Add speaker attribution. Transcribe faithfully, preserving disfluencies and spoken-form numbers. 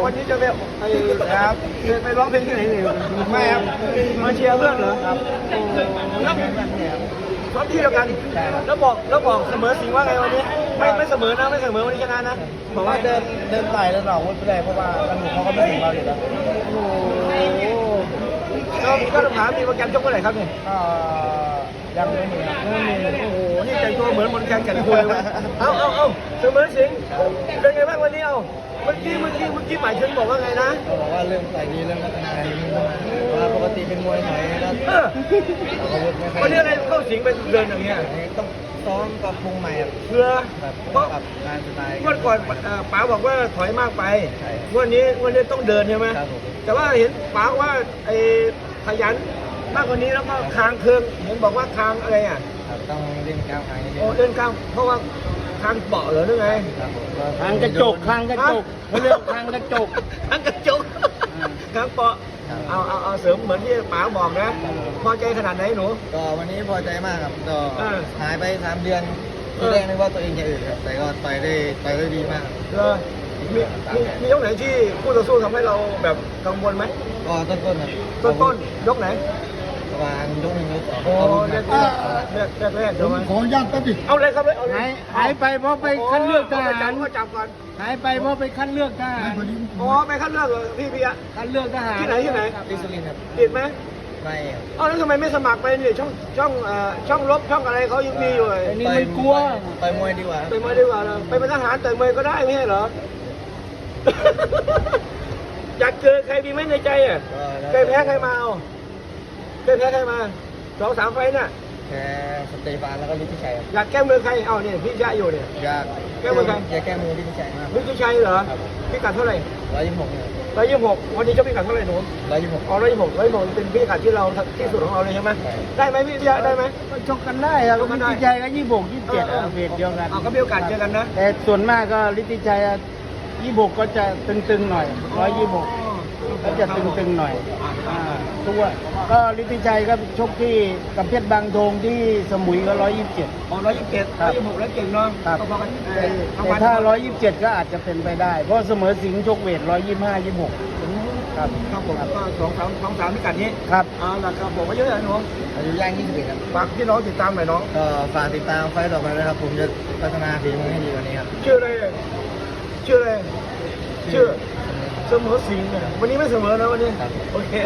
Speaker 1: วันนี้จะไปไอ้ครับไปร้องเพลงที่ไหนเนี่ยไม่ครับมาเชียร์เพื่อนเหรอครับแล้วซ้อมที่เดียวกันแล้วบอกแล้วบอกเสมอสิงห์ว่าไงวันนี้ไม่ไม่เสมอนะไม่เสมอวันนี้ชนะนะ
Speaker 2: บอกว่าเดินเดินไปแล้วหนอกวุ้นไปเลยเพราะว่ากระดูกเขาก็ไม่ถึงเราอยู่แล้ว
Speaker 1: โอ้โหก็ก็ต้องถามมีโปรแกรมชกเมื่อไหร่ครับเนี่ย
Speaker 2: ก็ยังไม่มีครับ
Speaker 1: ไม่มีโอ้โหนี่แต่งตัวเหมือนมนต์แกนแก่นคุยเลยเอาเอาเอาเสมอสิงห์เป็นไงบ้างวันนี้เอาเมื่อกี้เมื่อกี้เมื่อกี้หมายถึงบอกว่าไงนะ
Speaker 2: เขาบอกว่าเรื่องใส่ดีเรื่องพัฒนาอะไรนี้เข้ามาเพราะว่าปกติเป็นมวยไทยก็
Speaker 1: เออ
Speaker 2: เราก็วุ้นไม่ค่อย
Speaker 1: วันนี้อะไรเข้าสิงเป็นเดินอย่างเงี้ย
Speaker 2: ต้องซ้อมกับปรุงใหม่ครับ
Speaker 1: เพื่อ
Speaker 2: แบบ
Speaker 1: เพราะ
Speaker 2: กับงานสไตล์
Speaker 1: เมื่อก่อนเอ่อป๋าบอกว่าถอยมากไป
Speaker 2: ใช่
Speaker 1: วันนี้วันนี้ต้องเดินใช่ไหม
Speaker 2: ครับผม
Speaker 1: แต่ว่าเห็นป๋าว่าไอ้ขยันมากกว่านี้แล้วก็คางเคืองเห็นบอกว่าคางอะไรอ่ะ
Speaker 2: ครับต้องเล่นก้าวขานิดนึง
Speaker 1: โอ้เดินคางเพราะว่าคางเปาะเหรอหรือไง
Speaker 2: ครับผม
Speaker 3: คางกระจกคางกระจกเขาเรียกคางกระจก
Speaker 1: คางกระจกคางเปาะเอาเอาเอาเสริมเหมือนที่ป๋าบอกนะพอใจขนาดไหนหนู
Speaker 2: ก็วันนี้พอใจมากครับก็
Speaker 1: เออ
Speaker 2: หายไปสามเดือนที่แรกนึกว่าตัวเองจะอื่นครับแต่ก็ต่อยได้ต่อยได้ดีมาก
Speaker 1: เออมีมีมียกไหนที่คู่ต่อสู้ทำให้เราแบบกังวลไหม
Speaker 2: ก็ต้นๆครับ
Speaker 1: ต้นต้นยกไหน
Speaker 2: ประมาณยกหนึ่งยกสอง
Speaker 1: โอ้
Speaker 2: เอาลูก
Speaker 1: แร
Speaker 2: มาก
Speaker 1: แรกแรกแรกเดี๋ยวมา
Speaker 3: ขออนุญาตแป๊บดิ
Speaker 1: เอาเลยครับเลยเอาเล
Speaker 3: หาย
Speaker 1: ย
Speaker 3: หายไปเพราะไปคัดเลือกทหาร
Speaker 1: ก็จับก่อน
Speaker 3: หายไปเพราะไปคัดเลือกทหาร
Speaker 1: อ๋อไปคัดเลือกเหรอพี่พี่อะ
Speaker 3: คัดเลือกทหาร
Speaker 1: ที่ไหนที่ไหน
Speaker 2: ดิสลินครับ
Speaker 1: ติดไหม
Speaker 2: ไม่ครับ
Speaker 1: เอ้าแล้วทำไมไม่สมัครไปเนี่ยช่องช่องเอ่อช่องลบช่องอะไรเขายังมีอยู่เลย
Speaker 3: ไอ้นี่มันกลัว
Speaker 2: ต่อยมวยดีกว่า
Speaker 1: ไปมวยดีกว่านะไปเป็นทหารต่อยมวยก็ได้ไม่ใช่เหรอ อยากเจอใครดีไหมในใจอ่ะเคยแพ้ใครมาเอาเคยแพ้ใครมาสองสามไฟต์น่ะ
Speaker 2: แค่สเตฟานแล้วก็ลิทธิชัยครับ
Speaker 1: อยากแก้มือใครเอาเนี่ยพี่ชายอยู่เนี่ย
Speaker 2: อยาก
Speaker 1: แก้มือใคร
Speaker 2: อยากแก้มือลิทธิชัยมาก
Speaker 1: มิตรชัยเหรอ
Speaker 2: ครับ
Speaker 1: พิกัดเท่าไหร่
Speaker 2: ร้อยยี่สิบหกเนี่ย
Speaker 1: ร้อยยี่สิบหกวันนี้เจะพิกัดเท่าไหร่หนู
Speaker 2: ร้อยยี่สิบหก
Speaker 1: อ๋อร้อยยี่สิบหกร้อยยี่สิบหกเป็นพิกัดที่เราที่สุดของเราเลยใช่ไหม
Speaker 2: ใช่
Speaker 1: ได้ไหมพี่พิยะได้ไหม
Speaker 3: ก็ชกกันได้ครับ
Speaker 1: ชกกันได้
Speaker 3: ลิทธิชัยก็ยี่สิบหกยี่สิบเจ็ดเวทเดียวกัน
Speaker 1: เอาก็มีโอกาสเจอกันนะ
Speaker 3: แต่ส่วนมากก็ลิทธิชัยยี่สิบหกก็จะตึงๆหน่อยร้อยยี่สิบหกก็จะตึงๆหน่อยอ่าตัวก็ลิทธิชัยก็ชกที่กับเพชรบางทงที่สมุยก็ร้อยยี่สิบเจ็ด
Speaker 1: อ๋อร้อยยี่สิบเจ็ด
Speaker 3: ครั
Speaker 1: ร้อบ ยยี่สิบหกแล้วเก่งเนาะ
Speaker 3: ครับ
Speaker 1: ก็พอกัน
Speaker 3: แต่แต่ถ้าร้อยยี่สิบเจ็ดก็อาจจะเป็นไปได้ เพราะเสมอสิงห์ชกเวทร้อยยี่สิบห้ายี่สิบหกครับ
Speaker 1: ครับผมก็สองสามสองสามพิกัดนี้
Speaker 3: ครับ
Speaker 1: เอาล่ะครับผมมาเยอะเลยหนู
Speaker 2: อายุย่างยี่สิบเอ็ดครับ
Speaker 1: ฝากพี่น้องติดตามหน่อยน้อง
Speaker 2: ก็ฝากติดตามไฟต์ต่อไปนะครับ ผมจะพัฒนาฝีมือให้ดีกว่านี้ครับ
Speaker 1: ชื่ออะไรชื่ออะไรชื่อเสมอสิงห์เนี่ยวันนี้ไม่เสมอนะวันนี้
Speaker 2: ครับ
Speaker 1: โอเค